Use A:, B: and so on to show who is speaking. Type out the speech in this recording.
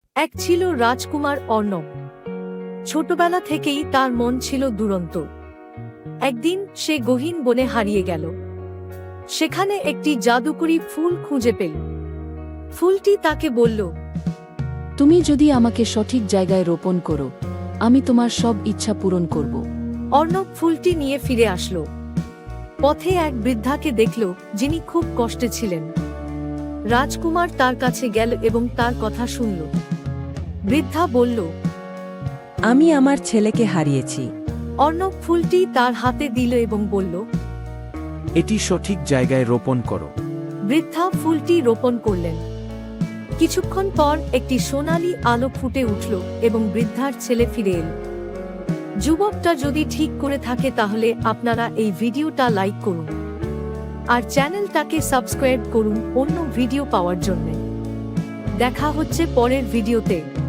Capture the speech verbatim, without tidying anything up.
A: এক ছিল রাজকুমার অর্ণব। ছোটবেলা থেকেই তার মন ছিল দুরন্ত। একদিন সে গহীন বনে হারিয়ে গেল। সেখানে একটি জাদুকরী ফুল খুঁজে পেল। ফুলটি তাকে বলল,
B: তুমি যদি আমাকে সঠিক জায়গায় রোপণ করো, আমি তোমার সব ইচ্ছা পূরণ করব।
A: অর্ণব ফুলটি নিয়ে ফিরে আসলো। পথে এক বৃদ্ধাকে দেখল, যিনি খুব কষ্টে ছিলেন। রাজকুমার তার কাছে গেল এবং তার কথা শুনল। বৃদ্ধা বলল,
C: আমি আমার ছেলেকে হারিয়েছি।
A: অর্ণব ফুলটি তার হাতে দিল এবং বলল,
D: এটি সঠিক জায়গায় রোপণ করো।
A: বৃদ্ধা ফুলটি রোপণ করলেন। কিছুক্ষণ পর একটি সোনালী আলো ফুটে উঠল এবং বৃদ্ধার ছেলে ফিরে এল। যুবকটা যদি ঠিক করে থাকে তাহলে আপনারা এই ভিডিওটা লাইক করুন আর চ্যানেলটাকে সাবস্ক্রাইব করুন অন্য ভিডিও পাওয়ার জন্য। দেখা হচ্ছে পরের ভিডিওতে।